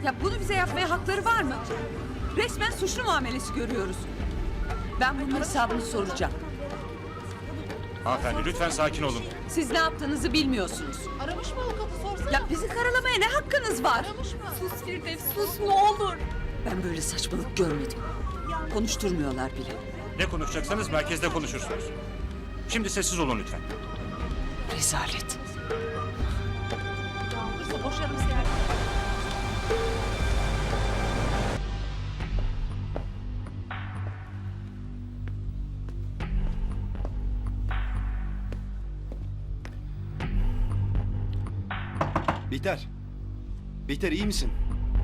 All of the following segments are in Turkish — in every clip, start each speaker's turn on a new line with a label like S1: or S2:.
S1: Ya bunu bize yapmaya hakları var mı? Resmen suçlu muamelesi görüyoruz. Ben bunun hesabını soracağım.
S2: Hanımefendi lütfen sakin olun.
S1: Siz ne yaptığınızı bilmiyorsunuz.
S3: Aramış mı avukatı sorsana?
S1: Ya bizi karalamaya ne hakkınız var?
S3: Aramış mı?
S1: Sus Firdevs, sus ne olur. Ben böyle saçmalık görmedim. Konuşturmuyorlar bile.
S2: Ne konuşacaksanız merkezde konuşursunuz. Şimdi sessiz olun lütfen.
S1: Rezalet.
S3: İşte boşarım seni.
S4: Bihter. Bihter iyi misin?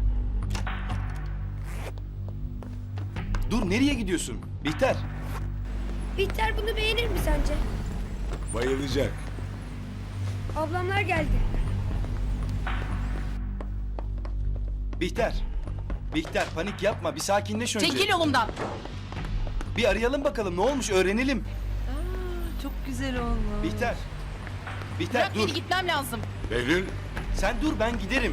S4: Dur nereye gidiyorsun? Bihter.
S5: Bihter bunu beğenir mi sence?
S6: Bayılacak.
S5: Ablamlar geldi.
S4: Bihter. Bihter panik yapma bir sakinleş önce.
S3: Çekil yolumdan.
S4: Bir arayalım bakalım ne olmuş öğrenelim.
S1: Çok güzel olmuş.
S4: Bihter. Bihter
S3: Bırak
S4: dur.
S3: beni, gitmem lazım.
S6: Behlül,
S4: Sen dur ben giderim.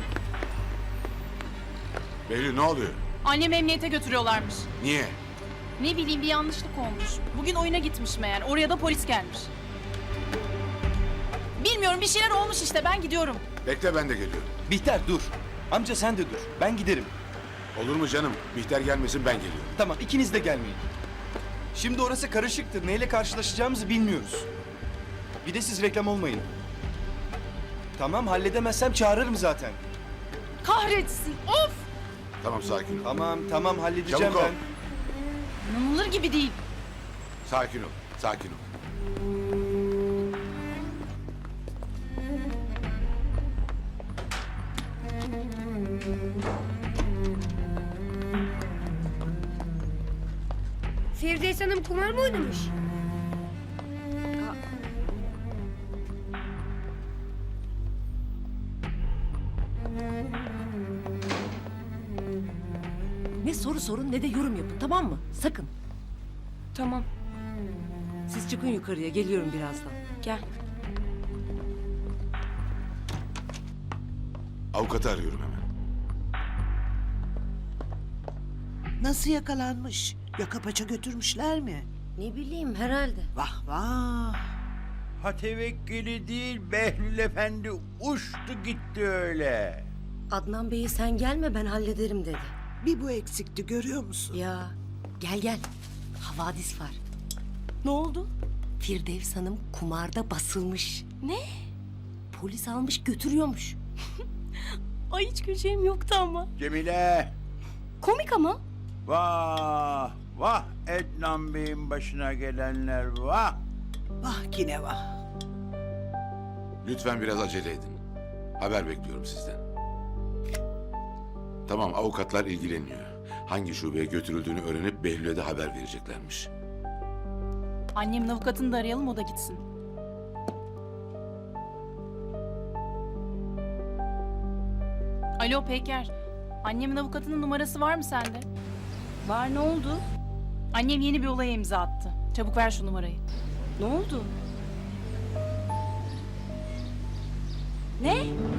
S6: Behlül ne oluyor?
S3: Annemi emniyete götürüyorlarmış.
S6: Niye?
S3: Ne bileyim, bir yanlışlık olmuş. Bugün oyuna gitmiş meğer. Oraya da polis gelmiş. Bilmiyorum, bir şeyler olmuş işte. Ben gidiyorum.
S6: Bekle ben de geliyorum.
S4: Bihter dur. Amca sen de dur. Ben giderim.
S6: Olur mu canım? Bihter gelmesin ben geliyorum.
S4: Tamam ikiniz de gelmeyin. Şimdi orası karışıktır. Neyle karşılaşacağımızı bilmiyoruz. Bir de siz reklam olmayın. Tamam halledemezsem çağırırım zaten.
S3: Kahretsin. Of!
S6: Tamam sakin ol.
S4: Tamam halledeceğim
S6: Çabuk ol.
S4: ben.
S3: İnanılır gibi değil.
S6: Sakin ol. Sakin ol.
S5: Firdevs Hanım kumar mı oynamış?
S7: Ne soru sorun ne de yorum yapın, tamam mı? Sakın.
S5: Tamam.
S7: Siz çıkın yukarıya, geliyorum birazdan.
S5: Gel.
S6: Avukatı arıyorum hemen.
S8: Nasıl yakalanmış? Yaka paça götürmüşler mi?
S7: Ne bileyim, herhalde.
S8: Vah vah.
S9: Ha tevekkili değil Behlül Efendi uçtu gitti öyle.
S7: Adnan Bey'i sen gelme, ben hallederim dedi.
S8: Bir bu eksikti görüyor musun?
S7: Ya, gel gel. Havadis var. Ne oldu? Firdevs Hanım kumarda basılmış. Ne? Polis almış götürüyormuş. Ay hiç güleceğim yoktu ama.
S9: Cemile
S7: Komik ama.
S9: vah vah Ednan Bey'in başına gelenler vah.
S8: Vah yine vah.
S6: Lütfen biraz acele edin. Haber bekliyorum sizden. Tamam avukatlar ilgileniyor. Hangi şubeye götürüldüğünü öğrenip Behlül'e de haber vereceklermiş.
S3: Annemin avukatını da arayalım, o da gitsin. Alo Peker. Annemin avukatının numarası var mı sende?
S7: Var, ne oldu?
S3: Annem yeni bir olaya imza attı. Çabuk ver şu numarayı.
S7: Ne oldu? Ne?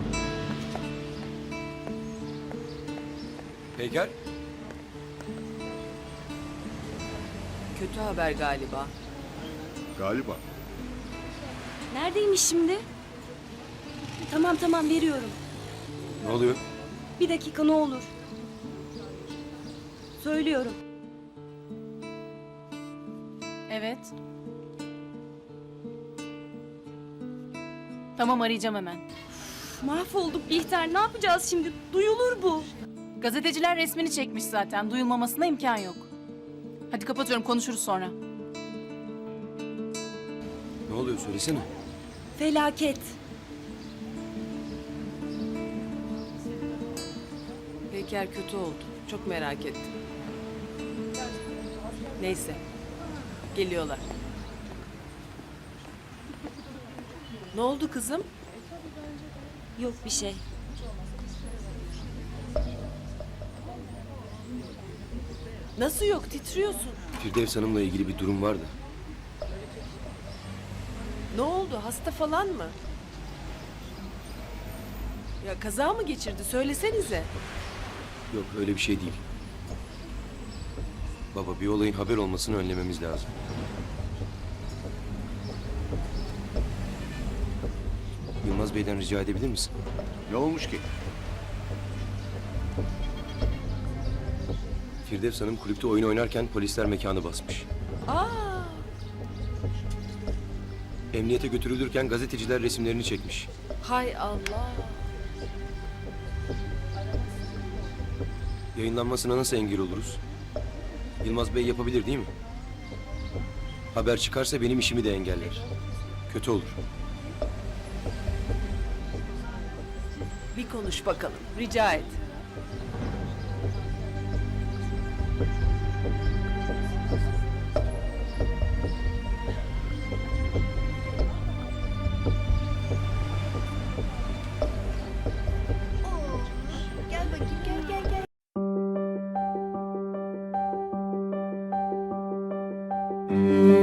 S4: Peker.
S1: Kötü haber galiba.
S6: Galiba.
S7: Neredeymiş şimdi? Tamam veriyorum.
S4: Ne oluyor?
S7: Bir dakika ne olur. Söylüyorum.
S3: Evet. Tamam, arayacağım hemen.
S7: Mahvolduk Bihter, ne yapacağız şimdi? Duyulur bu.
S3: Gazeteciler resmini çekmiş zaten. Duyulmamasına imkan yok. Hadi kapatıyorum, konuşuruz sonra.
S4: Ne oluyor söylesene.
S7: Felaket.
S1: Peker kötü oldu. Çok merak ettim. Neyse. Geliyorlar. Ne oldu kızım?
S7: Yok bir şey.
S1: Nasıl yok? Titriyorsun.
S4: Firdevs Hanım'la ilgili bir durum vardı.
S1: Ne oldu? Hasta falan mı? Ya kaza mı geçirdi? Söylesenize.
S10: Yok öyle bir şey değil. Baba bir olayın haber olmasını önlememiz lazım. Yılmaz Bey'den rica edebilir misin?
S9: Ne olmuş ki?
S10: Firdevs Hanım kulüpte oyun oynarken polisler mekanı basmış. Emniyete götürülürken gazeteciler resimlerini çekmiş.
S7: Hay Allah.
S10: Yayınlanmasına nasıl engel oluruz? Yılmaz Bey yapabilir değil mi? Haber çıkarsa benim işimi de engeller. Kötü olur.
S8: Bir konuş bakalım. Rica et.
S5: Gel bakayım gel.
S7: Aa,